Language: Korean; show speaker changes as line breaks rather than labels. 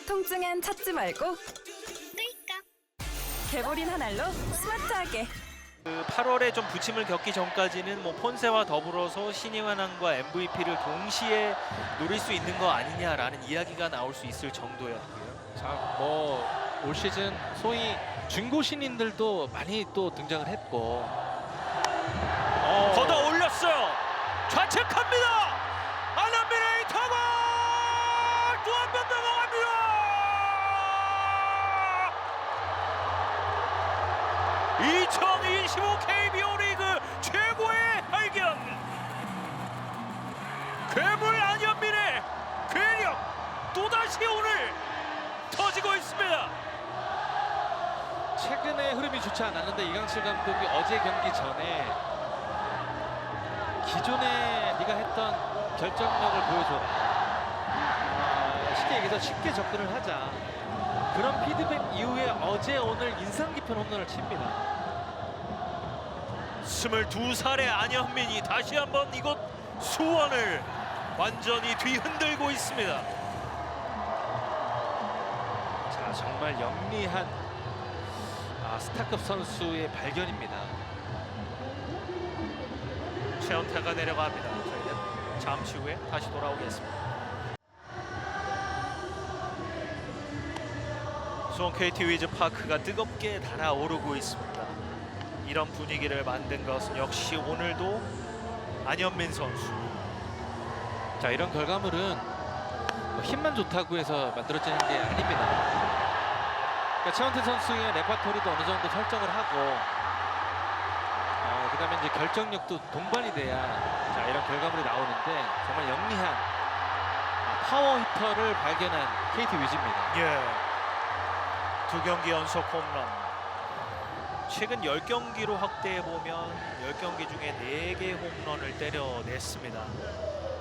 통증엔 찾지 말고 개보린 한 알로 스마트하게.
그 8월에 좀 부침을 겪기 전까지는 뭐 폰세와 더불어서 신인 환왕과 MVP를 동시에 노릴 수 있는 거 아니냐라는 이야기가 나올 수 있을 정도였고요.
자, 뭐 올 시즌 소위 중고 신인들도 많이 또 등장을 했고
걷어 올렸어요. 좌측합니다. 안한빈의 타고 또 한 번 넘어갑니다. 2025 KBO 리그 최고의 발견. 괴물 안현빈의 괴력 또다시 오늘 터지고 있습니다.
최근에 흐름이 좋지 않았는데 이강철 감독이 어제 경기 전에 기존에 네가 했던 결정력을 보여줘라. 쉽게 얘기해서 쉽게 접근을 하자. 그런 피드백 이후에 어제 오늘 인상 깊은 홈런을 칩니다.
22살의 안현빈이 다시 한번 이곳 수원을 완전히 뒤흔들고 있습니다.
자, 정말 영리한 스타급 선수의 발견입니다.
최원태가 내려갑니다. 저희는 잠시 후에 다시 돌아오겠습니다. 수원 KT 위즈 파크가 뜨겁게 달아오르고 있습니다. 이런 분위기를 만든 것은 역시 오늘도 안현빈 선수.
자, 이런 결과물은 뭐 힘만 좋다고 해서 만들어지는 게 아닙니다. 그러니까 최원태 선수의 레파토리도 어느 정도 설정을 하고 그다음에 이제 결정력도 동반이 돼야 자, 이런 결과물이 나오는데 정말 영리한 파워 히터를 발견한 KT 위즈입니다.
예. 2경기 연속 홈런. 최근 10경기로 확대해 보면 10경기 중에 4개 홈런을 때려냈습니다.